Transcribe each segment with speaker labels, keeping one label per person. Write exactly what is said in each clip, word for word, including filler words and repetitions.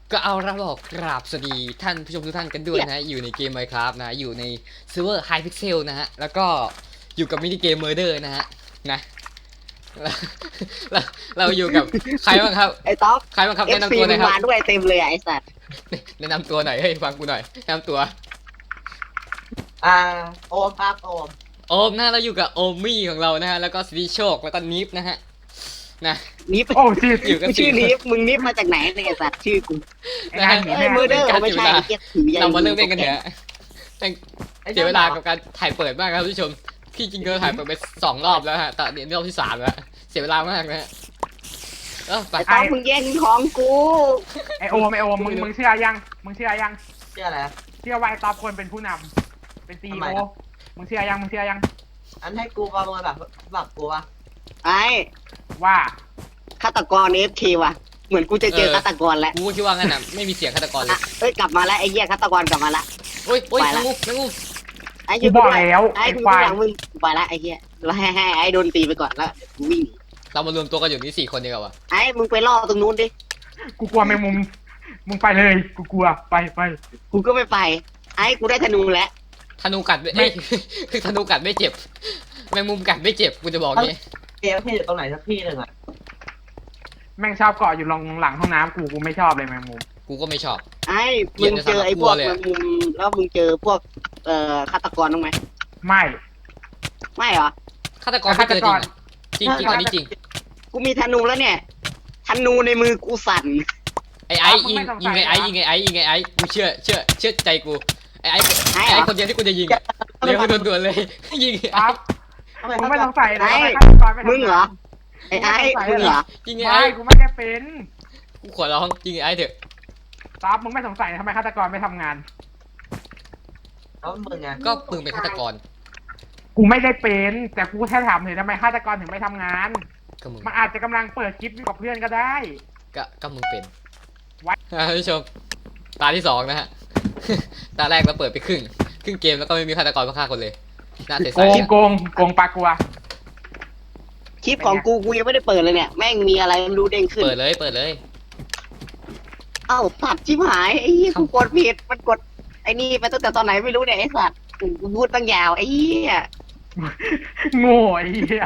Speaker 1: ก็เอาละบอกกราบสวัสดีท่านผู้ชมทุกท่านกันด้วยนะฮะอยู่ในเกม Minecraft นะอยู่ในเซิร์ฟเวอร์ Hypixel นะฮะแล้วก็อยู่กับมินิเกม Murder นะฮะนะเราเราเราอยู่กับใครบ้างครับ
Speaker 2: ไอ้ต๊อก
Speaker 1: ใครบ้างครับ
Speaker 2: เอฟ
Speaker 1: แนะ
Speaker 2: ซี
Speaker 1: นำตัวหน่
Speaker 2: มั
Speaker 1: อย
Speaker 2: น
Speaker 1: ครับ
Speaker 2: มาด้วยเต็มเลยอะไอ้สัตว์
Speaker 1: แนะนำตัวหน่อยเฮ้ยฟังกูหน่อยแนะนำตัว
Speaker 3: อ่าโอมครับโอม
Speaker 1: โอมนะเราอยู่กับโอมี่ของเรานะฮะแล้วก็สตีโชคแล้วก็นิฟนะฮะนะ
Speaker 2: นิฟ
Speaker 4: โอ้ชื่อ
Speaker 1: อยู่กัน
Speaker 2: ชื่อ
Speaker 1: สี่
Speaker 2: นิฟมึงนิฟมาจากไหนเนี่ยไอ้สัตว์ชื่อกู
Speaker 4: ไอ้นายหนี
Speaker 2: เอ้
Speaker 4: แม่
Speaker 2: ยมือเด้อไม่ใช่ไอ้เกียถือใหญ่
Speaker 1: เรามาเริ่มเล่นกันเถอะแต่เสียเวลากับการถ่ายเปิดมากครับผู้ชมพี่จริงก็ถ่ายเปิดไปสองรอบแล้วฮะแต่เดี๋ยวนี้รอบที่สามแล้วเสียเวลามากนะฮะเออไป
Speaker 2: ไอ้ต๊อกมึงแย่งของกู
Speaker 4: ไอโอมไอโอมมึงมึงเชื่อยังมึงเชื่อยัง
Speaker 3: เชื่ออะไร
Speaker 4: เชื่อว่าไอต๊อบควรเป็นผู้นำเป็นซี
Speaker 3: ทำ
Speaker 4: โอ
Speaker 3: ไมอะ
Speaker 4: มึงเชื่อยังมึงเชื่อยัง
Speaker 3: อันให้กูประเมินแบบแบบกูวะ
Speaker 2: ไอ้
Speaker 4: ว่า
Speaker 2: ฆาตกรเอฟเคว่ะเหมือนกูจะเจอฆาตกรแล้ว
Speaker 1: กูก็คิดว่างั้นอ่ะไม่มีเสียงฆาตกรเล
Speaker 2: อ่ะ
Speaker 1: ย
Speaker 2: เอ้ยกลับมาแล้วไอ้เหี้ยฆาตกรกลับมาละ
Speaker 1: โอ้ยโอ้ย
Speaker 2: ไป
Speaker 1: แม
Speaker 2: ละ
Speaker 1: งมุมแมงมุม
Speaker 2: ไอ้
Speaker 4: กู
Speaker 2: ยืน
Speaker 4: บอก
Speaker 2: ด้วย
Speaker 4: แล้ว
Speaker 2: ไอ้
Speaker 4: ไอ
Speaker 2: กู
Speaker 4: ควาย
Speaker 2: หลังมึงกูไปละไอ้เหี้ยแล้วให้ให้ไอ้โดนตีไปก่อนแล้วกูวิ่ง
Speaker 1: เรามารวมตัวกันอยู่นี่สี่คนดีกว่าวะ
Speaker 2: ไอ้มึงไปล่อตรงนู้นดิ
Speaker 4: กูกลัวแมงมุมมึงไปเลยกูกลัวไปไป
Speaker 2: กูก็ไม่ไปไอ้กูได้ธนูแล้ว
Speaker 1: ธนูกัดไม่เอ้ยคือธนูกัดไม่เจ็บแมงมุมกัดไม่เจ็บกูจะบอกงี้
Speaker 3: เกมที่อยู่ตรงไหนสักที่หนึ่งอ่ะ
Speaker 4: แม่งชอบเกาะอยู่หลังหลังห้องน้ำกูกูไม่ชอบเลยแมงมุม
Speaker 1: กูก็ไม่ชอบ
Speaker 2: ไอ้
Speaker 1: เกลี
Speaker 2: มึ
Speaker 1: ยด
Speaker 2: งเจอไอ้พวก
Speaker 1: ในสนามกลัวเลย
Speaker 2: มันมุมแล้วมึงเจอพวกเอ่อฆาตกรบ้างไหม
Speaker 4: ไม่
Speaker 2: ไม่เหรอ
Speaker 1: ฆาตกรไม่เจอจริงอะจริงจริงอันนี้จริง
Speaker 2: กูมีธนูแล้วเนี่ยธนูในมือกูสั่น
Speaker 1: ไอ้ไอ้ยิงยิงไอ้ไอ้ยิงไอ้ไอ้ยิงไอ้ไอ้กูเชื่อเชื่อเชื่อใจกูไอ้ไอ้
Speaker 2: ไอ้
Speaker 1: ไอ้
Speaker 2: เหร
Speaker 1: ไอ้
Speaker 2: อ
Speaker 1: คนเดียวที่กูจะยิงอะเร็วด่วนๆเลยยิง
Speaker 4: ต๊อบ
Speaker 3: ทำไม
Speaker 4: มึง
Speaker 3: เขา
Speaker 4: ไม่
Speaker 3: จะ
Speaker 4: สงสัยนะ
Speaker 2: ไอ้
Speaker 4: ว่าฆาตกรไม่ทำ
Speaker 2: มึงเหรอ
Speaker 4: งาน
Speaker 2: ไอ้ไอ้มึงเหรอ
Speaker 1: ยิงไอ้
Speaker 4: ไม่
Speaker 1: ไอ้
Speaker 4: กูไม่ได้เป็น
Speaker 1: กูขอร้องยิงไอ้ไอ้เถอะ
Speaker 4: ต๊อบมึงไม่สงสัยทำไมฆาตกรไม่ทำงาน
Speaker 3: เขามึงไง
Speaker 1: ก็มึงเป็นฆาตกร
Speaker 4: กูไม่ได้เป็นแต่กูแค่ถามเลยทำไมฆาตกรถึงไม่ทำงาน
Speaker 1: ก็มึง
Speaker 4: มันอาจจะกำลังเปิดคลิปอยู่กับเพื่อนก็ได้
Speaker 1: ก็ก็มึงเป็น
Speaker 4: ไว้
Speaker 1: อ่ะท่านผู้ชมตาที่สองนะฮะ ตาแรกเราเปิดไปครึ่งครึ่งเกมแล้วก็ไม่มีฆาตกรมาฆ่าคนเลยน่าเสีย
Speaker 4: โก
Speaker 1: ใจ
Speaker 4: ง
Speaker 1: อะ
Speaker 4: โกงโกงปลากลัว
Speaker 2: คลิปของกูกูยังไม่ได้เปิดเลยเนี่ยแม่งมีอะไรไม่รู้เด้งขึ้น
Speaker 1: เปิดเลยเปิดเลย
Speaker 2: เอ้าสัตว์ชิบหายไอ้เหี้ยกูกดผิดมันกดไอ้นี่ไปตั้งแต่ตอนไหนไม่รู้เนี่ยไอ้สัตว์กูพูดตั้งยาวไอ้เหี้ย
Speaker 4: โง่ไอ้เหี้ย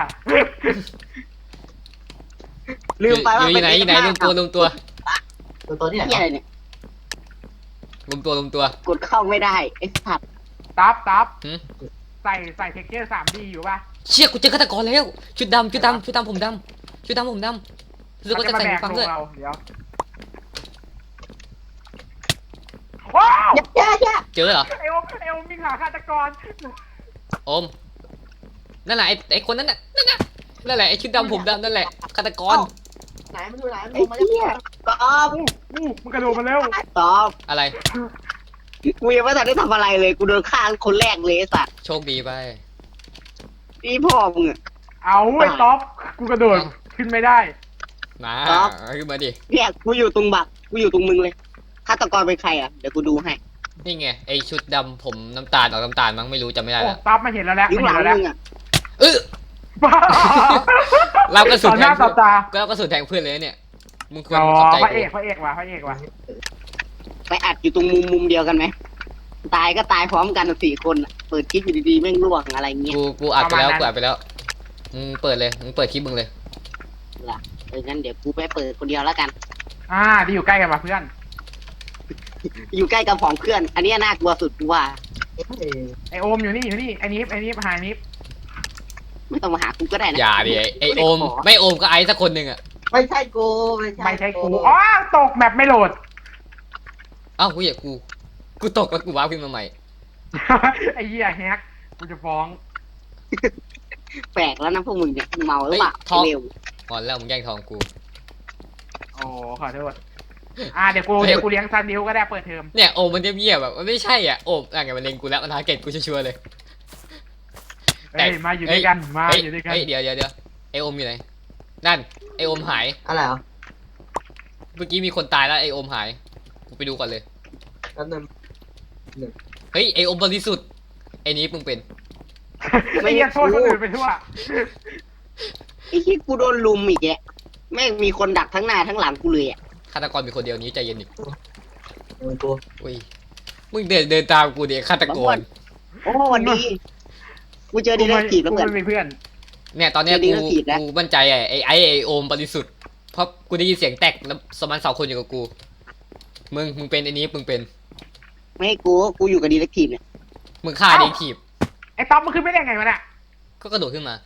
Speaker 2: ลืมไปว่า
Speaker 1: อยู่ไหนอยู่ไหนรวมตัวรวมตัว
Speaker 3: ตัวตัวนี้ไหน
Speaker 2: เหี้ยอะไรเนี่ย
Speaker 1: รวมตัวรวมตัว
Speaker 2: กดเข้าไม่ได้ไอ้สัตว์
Speaker 4: ตับตับ
Speaker 1: หืม
Speaker 4: ใส่ใส่เทคเจอร์สามดีอยู่ป่ะ
Speaker 1: เชี่ยกูเจอฆาตกรแล้วชุดดำชุดดำชุดดำผมดำชุดดำผมดำรู้สึกว่าจะ
Speaker 4: มา
Speaker 1: ใส่
Speaker 4: แบ
Speaker 1: หู
Speaker 4: ก
Speaker 1: ฟัง
Speaker 4: ล
Speaker 1: ด้วย
Speaker 4: งเราเดี๋ยวว้าว
Speaker 2: อย่าอย่าอย่า
Speaker 1: เจอเหรอ
Speaker 4: ไอโอมไอโอมมีขาฆาตกร
Speaker 1: โอมนั่นแหละไอ้ไอ้คนนั้นน่ะนั่นน่ะนั่นแหละไอ้ชุดดำผมดำนั่นแหละฆาตกร
Speaker 3: ไหนมันอยู่ไหนมัน
Speaker 2: ไอ้
Speaker 3: ลงมาจาก
Speaker 2: เหี้ยตอบ
Speaker 4: อู้อู้มันกระโดดมาเร็ว
Speaker 2: ตอบ
Speaker 1: อะไร
Speaker 2: กูยังไม่ทันได้ทำอะไรเลยกูโดนฆ่าคนแรกเลยไอ้สัตว์
Speaker 1: โชคดีไป
Speaker 2: นี่พ่อมึงอะ
Speaker 4: เอาไอ้ท็อปกูกระโดดขึ้นไม่ได้
Speaker 1: มา
Speaker 2: ครับ
Speaker 1: ขึ้นมาดิ
Speaker 2: เนี่ยกูอยู่ตรงบักกูอยู่ตรงมึงเลยฆาตกรเป็นใครอ่ะเดี๋ยวกูดูให้
Speaker 1: นี่ไงไอ้ชุดดำผมน้ำตาลออกน้ำตาลมั้งไม่รู้จำไม่ได้
Speaker 4: โอ้
Speaker 1: ละ
Speaker 4: ท็อปมาเห็นแล้วแหละ
Speaker 2: อยู่
Speaker 4: มา
Speaker 2: ห
Speaker 4: เห็
Speaker 2: ลั
Speaker 4: น
Speaker 2: ง
Speaker 4: แล้วแหละ
Speaker 2: มึงอ่ะ
Speaker 1: เออ เรากระสุน
Speaker 4: ต่อหน้า
Speaker 1: แทง
Speaker 4: ต่อตา
Speaker 1: ก็กระสุนแทงเพื่อนเลยเนี่ยมึงควร
Speaker 4: อ๋อ
Speaker 1: ขอบใจ
Speaker 4: พระเอ
Speaker 1: กู
Speaker 4: กพระเอกว่ะพระเอกว่ะ
Speaker 2: ไปอัดอยู่ตรงมุมมุมเดียวกันไหมตายก็ตายพร้อมกันสี่คนอะเปิดคลิปอยู่ดีๆแม่งล่วงอะไรเงี้ย
Speaker 1: กูกูอัดไปแล้วกูอัดไปแล้วมึงเปิดเลยมึงเปิดคลิปมึงเลย
Speaker 2: ล่ะเอองั้นเดี๋ยวกูไปเปิดคนเดียวแล้วกัน
Speaker 4: อ่าที่อยู่ใกล้กันว่ะเพื่อน
Speaker 2: อยู่ใกล้กับของเพื่อน อันเนี้ยน่ากลัวสุดกูว่า
Speaker 3: เอ๊ะ
Speaker 4: ไอโอมอยู่นี่อยู่นี่ไอนิฟไอนิฟหายนิฟ
Speaker 2: ไม่ต้องมาหากูก็ได้นะ
Speaker 1: อย่าดิไอ้ไอโอม
Speaker 2: ไม่ขอ
Speaker 1: ไม่โอมก็ไอซ์สักคนหนึ่งอ่ะ
Speaker 3: ไม่ใช่กูไม่ใช่
Speaker 4: ไม่ใช่กูอ๋อตกแบบไม่โหลด
Speaker 1: เอ้ากูอยากกูกูตกแล้วกูว้าร์ปขึ้นมาใหม่
Speaker 4: ไอ้เหี้ยแฮกกูจะฟ้อง
Speaker 2: แปลกแล้วนะพวกมึงเนี่ยมึงเมาหรือเปล่า
Speaker 1: เฮ้ยท็อป
Speaker 2: เร็ว
Speaker 1: ก่อนแล้วมึงแย่งทองกู
Speaker 4: โอ้ขอโทษอ่าเดี๋ยวกูเดี๋ยวกูเลี้ยงซันดิวก็ได้เปิดเทอม
Speaker 1: เนี่ยโอมมันเงียบๆแบบมันไม่ใช่อ่ะโอมอะไรมันเล็งกูแล้วมันทาร์เก็ตกูชัวร์ๆเลย
Speaker 4: เฮ้ยมาอยู่ด้วยกันมา
Speaker 1: เฮ้ย
Speaker 4: อยู่ด้วยกัน
Speaker 1: เฮ้ยเดี๋ยวเดี๋ยวเดี๋ยวไอโอมอยู่ไหนนั่นไอโอมหาย
Speaker 3: อะไรเหรอ
Speaker 1: เมื่อกี้มีคนตายแล้วไอโอมหายกูไปดูก่อนเลย
Speaker 3: แป๊บนึง
Speaker 1: เฮ้ยไอโอมบริสุทธิ์ไอนี้มึงเป็น
Speaker 4: ไอ้เหี้ยโทษคนอื่นไปทั่ว
Speaker 2: ไอ้ที่กูโดนลุมอีกแกแม่งมีคนดักทั้งหน้าทั้งหลังกูเลยอ่ะ
Speaker 1: ฆาตกรมีคนเดียวนี้ใจเย็นดิ
Speaker 3: มึงกู
Speaker 1: อุ้ยมึงเดินเดินตามกูดิฆาตกร
Speaker 2: โอ้วันนี้กูเจอดีเลกทีฟแล้ว
Speaker 4: กู
Speaker 2: เพื่อน
Speaker 4: ไม่มีเพื่อน
Speaker 1: เนี่ยตอนเนี้ย
Speaker 2: เจอดี
Speaker 1: กู
Speaker 2: ก็ผิดนะ
Speaker 1: กูมั่นใจไอ้ไอ้ไอ้ไอ้โอมบริสุทธิ์เพราะกูได้ยินเสียงแตกแล้วสมันสองคนอยู่กับกูมึงมึงเป็นไอ้นี้มึงเป็น
Speaker 2: ไม่ให้กูกูอยู่กับดีเลกทีฟเนี่ย
Speaker 1: มึงฆ่าเด็กทีบ
Speaker 4: ไอ้ต๊อบมันขึ้นไม่ได้ไงวะเนี่ย
Speaker 1: ก็กระโดดขึ้นมา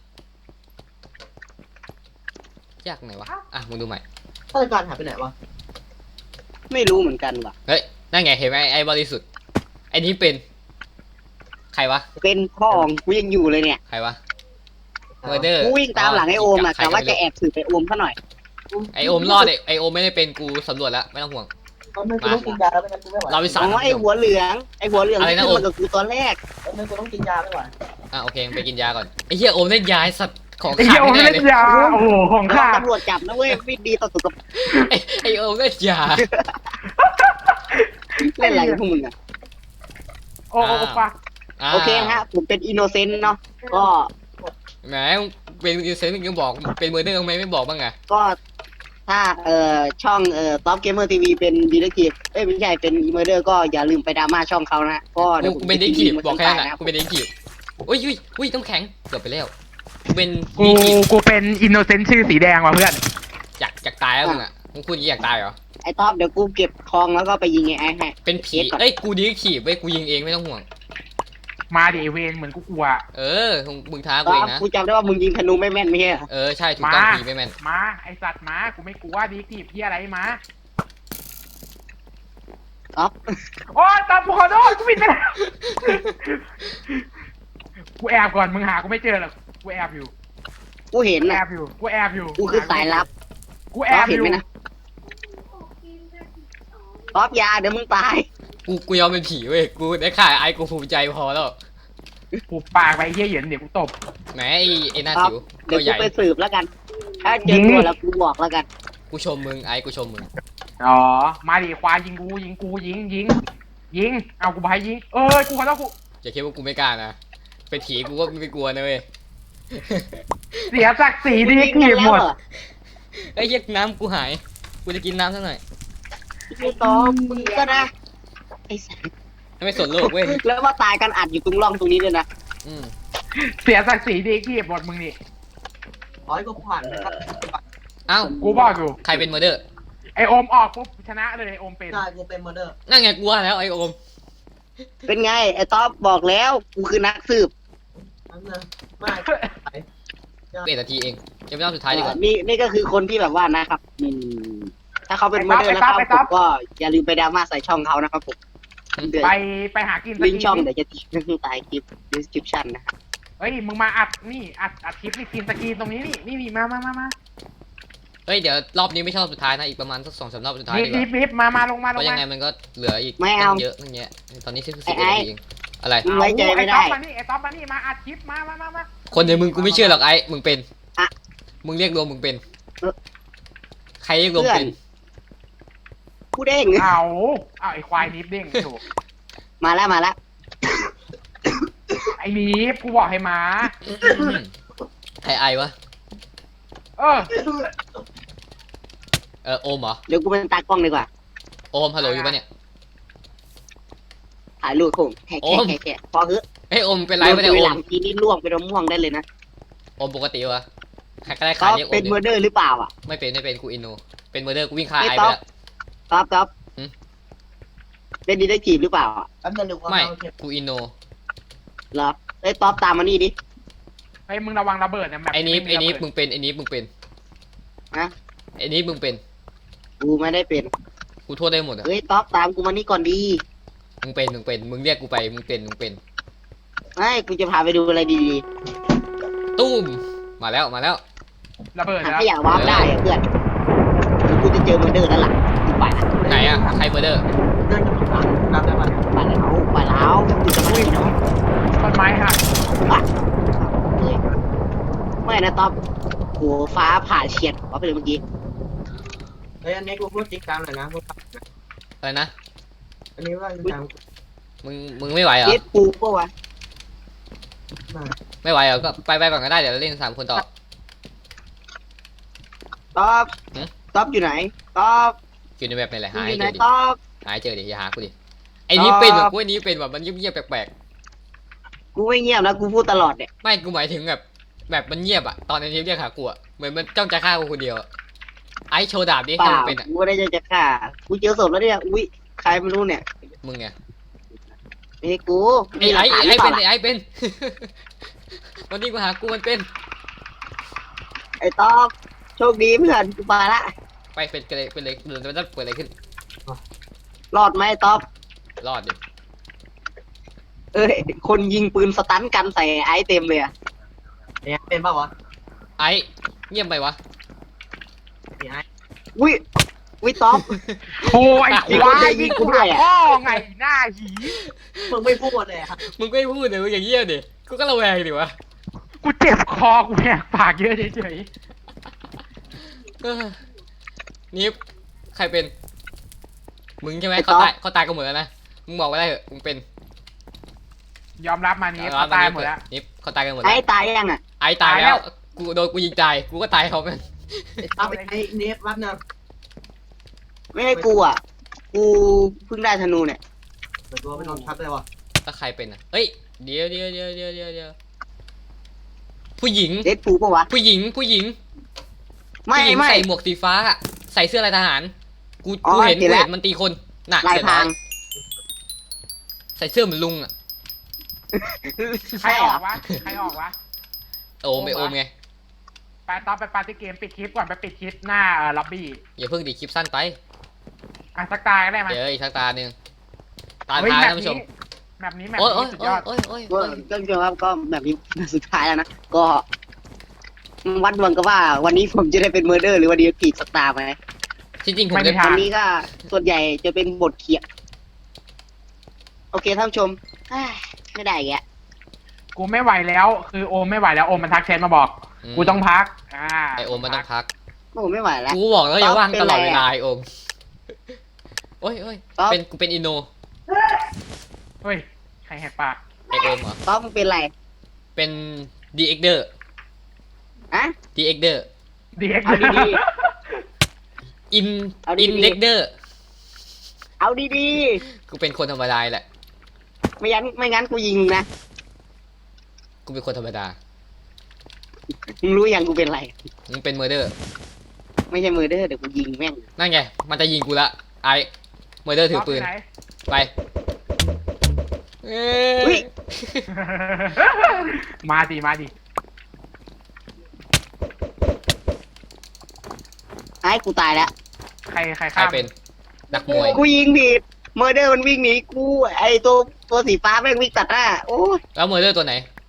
Speaker 1: ยากไหนวะ อ่ะ มึงดูใหม่
Speaker 3: ฆาตกรหายไปไหนวะ
Speaker 2: ไม่รู้เหมือนกันว่ะ
Speaker 1: เฮ้ย นั่นไง เห็นไหมไอ้บริสุทธิ์ ไอ้นี้เป็น ใครวะ
Speaker 2: เป็นพ่อของกูยังอยู่เลยเนี่ย
Speaker 1: ใครวะเมอร์เดอร์
Speaker 2: กูวิ่งตามหลังไอโอมอะแต่ว่าจะแอบสืบไปโอมซะหน่อย
Speaker 1: ไอโอมรอดไอ้ไอโอมไม่ได้เป็นกูสำรวจแล้ว ไม่ต้องห่วง
Speaker 3: ตอนนึงกูต้องกินยาแล้วไม่งั้นกูไม่ไหว
Speaker 1: เราไป
Speaker 2: อ๋
Speaker 1: สาร
Speaker 2: อไอหัวเหลืองไอหัวเหลือง
Speaker 1: อะไรนะ
Speaker 2: ที่
Speaker 1: โอม
Speaker 2: มากับกูตอนแรก
Speaker 3: ตอนนึงกูต้องกินยาไม่ไหว
Speaker 1: อ่ะโอเคไปกินยาก่อน ไอ้เหี้ยโอมเล่นยาไอ้สัตว์ของ
Speaker 4: ไอ้
Speaker 1: ขา
Speaker 4: เหี้ย
Speaker 1: ด
Speaker 4: โอม
Speaker 1: แน่
Speaker 4: เล่
Speaker 1: เล
Speaker 4: น
Speaker 1: ย
Speaker 4: ยาโอ้โหของ
Speaker 2: ระวั
Speaker 4: ข้าง
Speaker 2: ตำรวจจับนะเว้ยไม่ดีต่อสุขภาพ
Speaker 1: ไอ้ไอโอมเล่นยา
Speaker 2: เล่นอะไรกับพวกมึงอะ
Speaker 4: โอ้โอ้ปะ
Speaker 1: า
Speaker 2: โอเคฮะผมเป็นอินโนเซนต์เนาะก็
Speaker 1: แหมเป็นยูเซนมึงยังบอกเป็นเมอร์เดอร์ทำไมไม่บอกบ้างอะ
Speaker 2: ก็ถ้าเอ่อช่องเอ่อท็อปเกมเมอร์ทีวีเป็นดีเลกทีฟเอ้ยไม่ใช่เป็นอีเมอร์เดอร์ก็อย่าลืมไปดราม่าช่องเขานะก็เดี๋ยวผม
Speaker 1: กูเป็นเด็กขีบบอกแค่นั้น
Speaker 2: นะ
Speaker 1: นะกูเป็นเด็กขีบอุ้ยอุ้ยอุ้ยต้องแข็งเกือบไปแล้วกูเป็น
Speaker 4: กู
Speaker 1: เด็กขีบ
Speaker 4: กูเป็นอินโนเซนต์ชื่อสีแดงว่ะเพื่อน
Speaker 1: อยากอยากตายแล้วมึงอ่ะมึงพูดอย่างนี้อยากตายเหรอ
Speaker 2: ไอ้ท็อปเดี๋ยวกูเก็บทองแล้วก็ไปยิงไอ้ไอ้ให้
Speaker 1: เป็นผีเอ้ยกูดีขีบเว้ยกูยิงเองไม่ต้องห่วง
Speaker 4: มาดิไอ้เวนเหมือนกูกลัว
Speaker 1: เออมึงท้ากู
Speaker 2: ท็
Speaker 1: เอ
Speaker 2: อง ป
Speaker 1: นะ
Speaker 2: กูจำได้ว่ามึงยิงธนูไม่แม่นไม่ใช่เหรอ
Speaker 1: เออใช่ถูกต้อง
Speaker 4: มา
Speaker 1: ผีไม่แม่น
Speaker 4: มาไอสัตว์มากูไม่กลัวดีกีบพี่อะไรมา
Speaker 2: ท็อป
Speaker 4: โอ้ยตามกูขอโทษกูผิดไปแล้วกูแอบก่อนมึงหากูไม่เจอหรอกกูแอบอยู่
Speaker 2: กูเห็น
Speaker 4: กูแอ
Speaker 2: นะ
Speaker 4: บอยู่กูแอบอยู่
Speaker 2: กูคือสายลับ
Speaker 4: กูแอบอ
Speaker 2: เห็น
Speaker 4: ยู่
Speaker 2: ไหมนะท็อปอยาเดี๋ยวมึงตาย
Speaker 1: กูกูยอมเป็นผีเว้ยกูได้ข่าไอ้กูภูมิใจพอแล้ว
Speaker 4: กูปากไปเยี่ยเหยินเดี๋ยวกูตบ
Speaker 1: แหมไอ้ไอ้หน้า
Speaker 2: ครับ
Speaker 1: สิว
Speaker 2: เดี๋
Speaker 1: ตั
Speaker 2: ยว
Speaker 1: วให
Speaker 2: กู
Speaker 1: ญ่
Speaker 2: ไปสืบแล้วกัน ถ้าเจ
Speaker 4: ยิ
Speaker 2: อง ตัวแล้วกูบอกแล้วกัน
Speaker 1: กูชมมึงไอ้กูชมมึง
Speaker 4: อ๋อมาดิควายยิงกูยิงกูยิงยิงยิงเอากูไปยิงเอ้ยกูขอโทษกู
Speaker 1: อย่าคิดว่ากูไม่กล้านะเป็นผีกูก็ไม่กลัวนะเว้ย
Speaker 4: เสียศักดิ์ศรีดีกีบหมด
Speaker 1: ไอ้เหี้ยน้ำกูหายกูจะกินน้ำสักหน่อย
Speaker 2: พี่ต้อมมึงก็นะไอ้สัส
Speaker 1: ไม่สนโลกเว้ย
Speaker 2: แล้วมาตายกันอัดอยู่ตรงร่องตรงนี้ด้วยนะ
Speaker 1: อืม
Speaker 4: เสียศักดิ์ศรีดีกีบหมดมึงนี่
Speaker 3: ขอให้กูผ่านนะครับ
Speaker 1: เอ้า
Speaker 4: กูบอกอยู่
Speaker 1: ใครเป็นเมอร์เดอร์
Speaker 4: ไอโอมออกปุ๊บชนะเลยไอโอมเป็น
Speaker 3: ใช่กูเป็นเมอร์เดอร์
Speaker 1: นั่นไงกูว่าแล้วไอ้โอม
Speaker 2: เป็นไงไอ้ท็อปบอกแล้วกูคือนักสืบ
Speaker 3: นั่นนะไม่
Speaker 1: เอ็ดนาทีเองยังไม่รอบสุดท้ายดีกว่า
Speaker 2: นี่นี่ก็คือคนที่แบบว่านะครับอืมถ้าเขาเป็นโมเดลแล้วครับผมก็อย่าลืมไปดราม่าใส่ช่องเขานะครับผมเดี๋ยว
Speaker 4: ไปไปหากินส
Speaker 2: ลิง
Speaker 4: กี
Speaker 2: ก์ช่องเดี๋ยวจะทิ้งใต้คลิป description นะ
Speaker 4: เฮ้ยมึงมาอัดนี่อัดอัดคลิปนี่กินสกีตรงนี้นี่นี่นี่มามามามา
Speaker 1: เฮ้ยเดี๋ยวรอบนี้ไม่ใช่รอบสุดท้ายนะอีกประมาณสักสองสามรอบสุดท้าย
Speaker 4: รี
Speaker 1: ดี
Speaker 4: บ
Speaker 1: ก
Speaker 4: รี
Speaker 1: ว่า
Speaker 4: บรีบมามาลงมา
Speaker 1: เพ
Speaker 4: ลง
Speaker 1: ราะยั
Speaker 4: มาง
Speaker 1: ไงมันก็เหลืออีก
Speaker 2: ไม่เอา
Speaker 1: ตั้งเยอะตั้งเยอะตอนนี้แค่สิบเอ็ดนาทีเองอะไร
Speaker 2: มึงไว้ใจไม่ได้
Speaker 4: ไอ้ต๊อปมานี่ไอ้ต๊อปมานี่มาอัดคลิปมามามามา
Speaker 1: คนเดียวมึงกูไม่เชื่อหรอกไอ้มึงเป็น
Speaker 2: อะ
Speaker 1: มึงเรียกรวมมึงเป็น
Speaker 2: เออ
Speaker 1: ใครเรียกรวมเป็น
Speaker 2: ผู้เด้ง
Speaker 4: เอาเอาไอ้ควายนิฟเด้งถูก
Speaker 2: มาแล้วมาแล้ว
Speaker 4: ไอ้นิฟกูบอกให้มา
Speaker 1: ใครไอวะ
Speaker 4: เออ
Speaker 1: เออโอมเหรอ
Speaker 2: เดี๋ยวกูเป็นตากล้องดีกว่า
Speaker 1: โอมฮัลโหลอยู่ปะเนี่ย
Speaker 2: ถ่ายรูปผมแค่
Speaker 1: โอ
Speaker 2: แค่
Speaker 1: ม
Speaker 2: แค่แค่พอเฮ้ย
Speaker 1: เฮ้ยโอมเป็นไรปะเนี่ย
Speaker 2: โด
Speaker 1: โอน
Speaker 2: หลั
Speaker 1: ม
Speaker 2: งทีนี้ล่วงไปนมม่วงได้เลยนะ
Speaker 1: โอมปกติวะใครก็ได้
Speaker 2: ท็
Speaker 1: ขา
Speaker 2: อย ป
Speaker 1: เรียกโอ
Speaker 2: เป็น
Speaker 1: ม
Speaker 2: เมอ
Speaker 1: ดิ
Speaker 2: ร์เดอร์หรือเปล่าอ่ะ
Speaker 1: ไม่เป็นไม่เป็นกูอินโนเป็นเมอร์เดอร์กูวิ่งฆ่า
Speaker 2: ไอ้
Speaker 1: ไอ
Speaker 2: ต๊
Speaker 1: ไป
Speaker 2: อป
Speaker 1: แล้ว
Speaker 2: ท็อปท็อป
Speaker 1: หืม
Speaker 2: เป็นดีได้จีบหรือเปล่าอ่ะ
Speaker 3: แป๊บนึงเดี๋ยวกู
Speaker 1: ไม่
Speaker 3: เอาเก็บ
Speaker 1: กูอินโน
Speaker 2: เหรอไอ้ยท็อปตามมานี่ดิ
Speaker 4: ไอ้มึงระวังระเบิดนะแบบ
Speaker 1: ไอ้นี้ไอ้นี้
Speaker 4: ระเบิด
Speaker 1: มึงเป็นไอ้นี้มึงเป็น
Speaker 2: นะ
Speaker 1: ไอ้นี้มึงเป็น
Speaker 2: กูไม่ได้เป็น
Speaker 1: กูโทษได้หมดอะ
Speaker 2: เฮ้ยท็อปตามกูมานี่ก่อนดี
Speaker 1: มึงเป็นมึงเป็นมึงเรียกกูไปมึงเป็นมึงเป็น
Speaker 2: ไม่กูจะพาไปดูอะไรดี
Speaker 1: ตุ้มมาแล้วมาแล้ว
Speaker 4: ระเบิด
Speaker 2: ๆหา
Speaker 4: แล้ว
Speaker 2: ขยะวาร์ปได้อะเพื่อนเดี๋ยวกูจะเจอเมอร์เดอร์แล้วล่ะกูไปละ
Speaker 1: ไหนอะใครเมอร์เดอร์
Speaker 3: เดินกับผ่านตามได้ปะ
Speaker 2: ไปแล้วไปแล้วกูจะมาที่น้อง
Speaker 4: ต้นไม้หัก
Speaker 2: เฮ้ยไม่นะท็อปโหฟ้าผ่าเฉียดท็อปไปเลยเมื่อกี้
Speaker 3: เฮ้ยอันนี้กูพูดจริงจังเลยนะพูด
Speaker 1: อะไรนะ
Speaker 3: อันนี้ว่าจริงจัง
Speaker 1: มึงมึงไม่ไหวเหรอ
Speaker 2: เย็ดปูปะวะ
Speaker 1: ไม่ไหวเหรอก็ไปไปก่อนก็ได้เดี๋ยวเราเล่นสามคนต่อ
Speaker 2: ท็อป
Speaker 1: หือ
Speaker 2: ท็อปอยู่ไหนท็อป
Speaker 1: อยู่ในแบบไหนแหละ
Speaker 2: มึ
Speaker 1: หาง
Speaker 2: อ
Speaker 1: ให้
Speaker 2: ยู่
Speaker 1: เจ
Speaker 2: ไหน
Speaker 1: อดิ
Speaker 2: ต๊อบ
Speaker 1: หาให้เจอดิอย่าหากูดิไอ้นี่เป็นแบบกูไอ้นี้เป็นแบบมันเงียบๆแปลก
Speaker 2: กูไม่เงียบนะกูพูดตลอดเนี่ย
Speaker 1: ๆไม่กูหมายถึงแบบแบบมันเงียบอะตอนไอ้นี้เรียกหากูอะเหมือนมันจ้องจะฆ่ากูคนเดียวอะไอ้โชว์ดาบดิ
Speaker 2: เป
Speaker 1: ถ้า
Speaker 2: ล่า
Speaker 1: มึงเป็นอะ
Speaker 2: กูไม่ได้จะฆ่ากูเจอศพแล้วเนี่ยอุ้ยใครไม่รู้เนี่ย
Speaker 1: มึงไง
Speaker 2: ไม่ใช่กู
Speaker 1: ไอ้ไอ้
Speaker 2: มีหลักฐานห
Speaker 1: ไอ้
Speaker 2: รือเป
Speaker 1: เป็น
Speaker 2: ล่า
Speaker 1: ไอ้ไอ้เป็น วันนี้กูหากูมันเป็น
Speaker 2: ไอ้ต๊อบโชคดีเพื่อนกูมาละ
Speaker 1: ไปเป็นกันเลยเป็นเลยเดินไปเปิดอะไรขึ้น
Speaker 2: รอดไหมไอ้ต๊อบ
Speaker 1: รอดดิ
Speaker 2: เอ้ยคนยิงปืนสตันกันใส่ไอ้เต็มเลยอะ
Speaker 3: เนี่ยเป็นป่าวะ
Speaker 1: ไอ้เงียบไปวะ
Speaker 3: นี่ไอ้
Speaker 2: อุ้ยอุ้ยต๊อบ
Speaker 4: โอ้ยไอ้ควาย
Speaker 2: ยิ
Speaker 4: ยิ
Speaker 2: ง
Speaker 4: ง
Speaker 2: กู
Speaker 4: กู
Speaker 2: ด้
Speaker 4: หา
Speaker 2: วยอะ
Speaker 4: พ่อไงหน้าหี
Speaker 3: มึงไม่พูดเลยอะ
Speaker 1: มึงก็ไม่พูดเลยมึงอย่างเงียบดิกูก็ระแวงดิวะ
Speaker 4: กูเจ็บคอกูแหกปากเยอะเฉย
Speaker 1: เออนิฟใครเป็น มึงใช่ไหม
Speaker 2: ไอ้
Speaker 1: เขา
Speaker 2: ต๊อบ
Speaker 1: ตายเขาตายกันหมดแล้วนะมึงบอกไม่ได้เหอะมึงเป็น
Speaker 4: ๆยอมรับมานี้เขาตายหมดแล้ว
Speaker 1: นิฟเขาตายกันหมด
Speaker 2: ไอ้
Speaker 1: แล้ว
Speaker 2: ตายยังอ่ะ
Speaker 1: ไอ้ตาย
Speaker 4: ตายแล้
Speaker 1: แล้ว
Speaker 4: ว
Speaker 1: กูโดนกูยิงตายกูก็ตายเขาเป็น
Speaker 3: เอาไปไอ้เนฟรับเนอะ
Speaker 2: ไม่ให้กูอ่ะกูเพิ่งได้ธนูเนี่ย
Speaker 3: เปิดตัวไปนอนชัดเลยวะ
Speaker 1: ถ้าใครเป็นอ่ะเฮ้ยเดี๋ยวเดี๋ยวเดี๋ยวเดี๋ยวเดี๋ยวเดี๋ยวผู้หญิง
Speaker 2: เด็ดปูปะวะ
Speaker 1: ผู้หญิงผู้หญิง
Speaker 2: ไม่
Speaker 1: ผู้หญิง
Speaker 2: ไม่
Speaker 1: ใส่หมวกสีฟ้าอะใส่เสื้อลายทหาร กู
Speaker 2: อ๋อ
Speaker 1: กูเห็น
Speaker 2: เห็
Speaker 1: กู
Speaker 2: นแล้ว
Speaker 1: เห็นมันตีคนน่ะ
Speaker 2: ลาย
Speaker 1: เห็น
Speaker 2: พ
Speaker 1: ไหม
Speaker 2: ราง
Speaker 1: ใส่เสื้อเหมือนลุงอ่ะ
Speaker 4: ใครออกวะใครออกวะ
Speaker 1: โอมไปโอมไง
Speaker 4: ไปตอนไปปาร์ตี้เกมปิดคลิปก่อนไปปิดคลิปหน้าเอ่อล็อบบี้
Speaker 1: อย่าเพิ่งดีคลิปสั้นไป
Speaker 4: อ่ะสักตายก็ได้ไหม
Speaker 1: เดี๋ยวอีกทักตาหนึ่งตา
Speaker 4: เฮ้ย
Speaker 1: ท้าย
Speaker 4: แมป
Speaker 1: ท่านผู้ชม
Speaker 4: นี้แมปนี้แมป
Speaker 1: โอ้ยโอ้
Speaker 4: นี้
Speaker 1: ย
Speaker 4: สุด
Speaker 1: โอ้
Speaker 4: ย
Speaker 1: ย
Speaker 4: อด
Speaker 1: โอ้ยโอ้ย
Speaker 2: ก็
Speaker 1: โอ้ย
Speaker 2: ก็คือครับก็แบบนี้สุดท้ายแล้วนะ ก็วัดดวงก็ว่า วันนี้ผมจะได้เป็นเมอร์เดอร์หรือวันนี้ผิดสตาร์ไหม
Speaker 1: ที่จริงผม
Speaker 4: ไม่
Speaker 1: จะ
Speaker 4: มีทาง
Speaker 2: วันนี้ก็ส่วนใหญ่จะเป็นบทเขียนโอเคท่านผู้ชมเอ้ยไม่ได้แก
Speaker 4: กูไม่ไหวแล้ว คือโอมไม่ไหวแล้วโอมมันทักแชทมาบอก กูต้องพักอ่า
Speaker 1: ไอโอมมันต้องพัก
Speaker 2: โอ้ไม่ไหวแล้ว
Speaker 1: กูบอกแล้วอย่าว่าง
Speaker 2: เป็น
Speaker 1: ตลอด
Speaker 2: ไร
Speaker 1: เว
Speaker 2: อะ
Speaker 1: ลาไอโอมโอ้ยโอ้ย
Speaker 2: ต๊อบ
Speaker 1: เป็นกูเป็นอินโน
Speaker 4: เฮ้ยใครแหกปาก
Speaker 1: ไอโอมเหรอ
Speaker 2: ต๊อบมึงเป็นไร
Speaker 1: เป็นดีเอ็กเดอร์
Speaker 2: อะ
Speaker 1: ดีเอ็กเดอร์
Speaker 4: ดีเอ็ก
Speaker 2: เอาดี
Speaker 1: อิน
Speaker 2: เอาดีๆ
Speaker 1: อินเด็กเดอร์
Speaker 2: เอาดี
Speaker 1: กูเป็นคนธรรมดาแหละ
Speaker 2: ๆไม่งั้นไม่งั้นกูยิงมึงนะ
Speaker 1: กูเป็นคนธรรมดา
Speaker 2: มึงรู้ยังกูเป็นไร
Speaker 1: มึงเป็นเมอร์เดอร์
Speaker 2: ไม่ใช่เมอร์เดอร์เดี๋ยวกูยิงแม่ง
Speaker 1: นั่นไง มันจะยิงกูละ ไอเมอร์เดอร์ถือปืน
Speaker 4: ไหน
Speaker 1: ไป เอ้
Speaker 2: อุ๊
Speaker 1: ย
Speaker 2: ย
Speaker 4: มาดิมาดิ
Speaker 2: ไอ้กูตายแล้ว
Speaker 4: ใครใคร
Speaker 1: ใคร
Speaker 4: ข้าม
Speaker 1: เป็นนักมวย
Speaker 2: กูยิงผิดเมอร์เดอร์มันวิ่งหนีกูไอ้ตัวตัวสีฟ้าแม่งวิ่งตัดหน้าโอ้ย
Speaker 1: แล้วเมอร์เดอร์ตัวไหน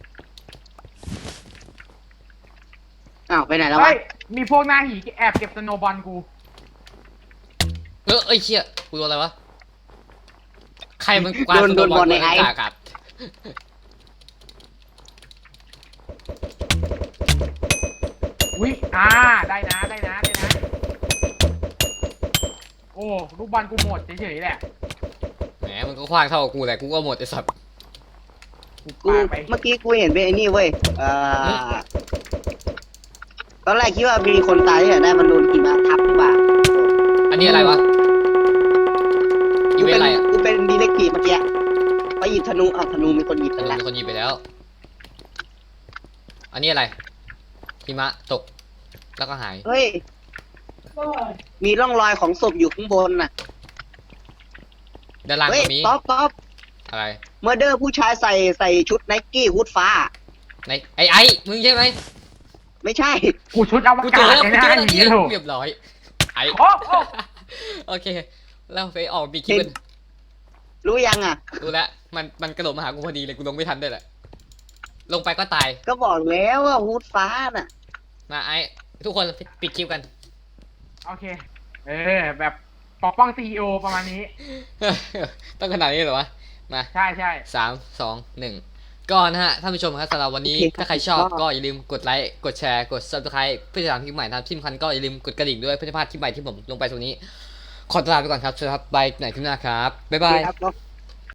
Speaker 2: อ้าวไปไหนแล้ว
Speaker 4: เฮ้
Speaker 2: วะ
Speaker 4: ยมีพวกหน้าหีแอบเก็บสโนว์บอลกู
Speaker 1: เออเอ้ยเชี่ยกูโดนอะไรวะ ใครมันกวาด
Speaker 2: โดน
Speaker 1: ส
Speaker 2: โด
Speaker 1: โน
Speaker 2: น
Speaker 1: ว์บบ อ
Speaker 2: อ
Speaker 1: ล
Speaker 2: ลใน
Speaker 1: ใน
Speaker 2: ไอ้
Speaker 1: อากาศ
Speaker 4: อุ้ยอ่าได้นะได้นะได้นะ โอ้ลูกบอลกูหมดเฉยๆแหละ
Speaker 1: แหมมันก็คว้างเท่ากับกูแหละ กูก็หมดไอ้สัตว์
Speaker 2: กูเมื่อกี้กูเห็นเป็นไอ้นี่เว้ยเอ่อตอนแรกคิดว่ามีคนตายที่ไหนได้มันโดนหิมะทับหรือเปล่า
Speaker 1: อันนี้อะไรวะอี
Speaker 2: กู
Speaker 1: เว
Speaker 2: เป็น น
Speaker 1: อะไรอ่ะ
Speaker 2: กูเป็นดีเล็กทีเมื่อกี้ไปหยิบธนูเอาธนูมีคนหยิบ
Speaker 1: เอ
Speaker 2: ไป
Speaker 1: อ
Speaker 2: แล้ว
Speaker 1: มีคนหยิบไปแล้ว อันนี้อะไรหิมะตก แล้วก็หาย
Speaker 2: เฮ้ยมีร่องรอยของศพอยู่ข้างบนน่ะ
Speaker 1: ด้านล่าง
Speaker 2: เฮ้ย
Speaker 1: ก็มี
Speaker 2: ต๊อปต๊อป
Speaker 1: อะไร
Speaker 2: เมอร์เดอร์ผู้ชายใส่ใส่ชุดไนกี้ฮูดฟ้า
Speaker 1: ในไอ้ไอ้มึงใช่ไหม
Speaker 2: ไม่ใช่
Speaker 4: กูชุดอว
Speaker 1: กูเจ
Speaker 4: กา
Speaker 1: อ
Speaker 4: ศ
Speaker 1: แล้ว
Speaker 4: ใน
Speaker 1: กู
Speaker 4: ห
Speaker 1: เจอ
Speaker 4: น้า
Speaker 1: แล้ว
Speaker 4: หีถูก
Speaker 1: เรียบร้อย ไอ้
Speaker 4: โอ้โอ้
Speaker 1: โอเค แล้วไปออกปีคลิป
Speaker 2: เห็น รู้ยังอ่ะ
Speaker 1: ดูแล้วมันมันกระโดดมาหากูพอดีเลยกูลงไม่ทันด้วยแหละ ลงไปก็ตาย
Speaker 2: ก็บอกแล้วว่าฮูดฟ้าน่ะ
Speaker 1: มาไอ้ทุกคนปิดคลิปกัน
Speaker 4: โอเค เออ แบบปกป้องซีอีโอประมาณนี้
Speaker 1: ต้องขนาดนี้เหรอวะ มา
Speaker 4: ใช่ใช่
Speaker 1: สามสองหนึ่งก็นะฮะท่านผู้ชมครับสำหรับวันนี้
Speaker 2: โอเคครับ
Speaker 1: ถ้าใครชอบ
Speaker 2: ก็
Speaker 1: ก็อย่าลืมกดไลค์กดแชร์กด subscribe เพื่อจะตามคลิปใหม่ทำที่สำคัญก็อย่าลืมกดกระดิ่งด้วยเพื่อจะพลาดคลิปใหม่ที่ผมลงไปตรงนี้ ขอตัวลาไปก่อนครับสวัสดีครับบายไหนคลิปหน้าครับบ๊ายบาย
Speaker 2: ครับ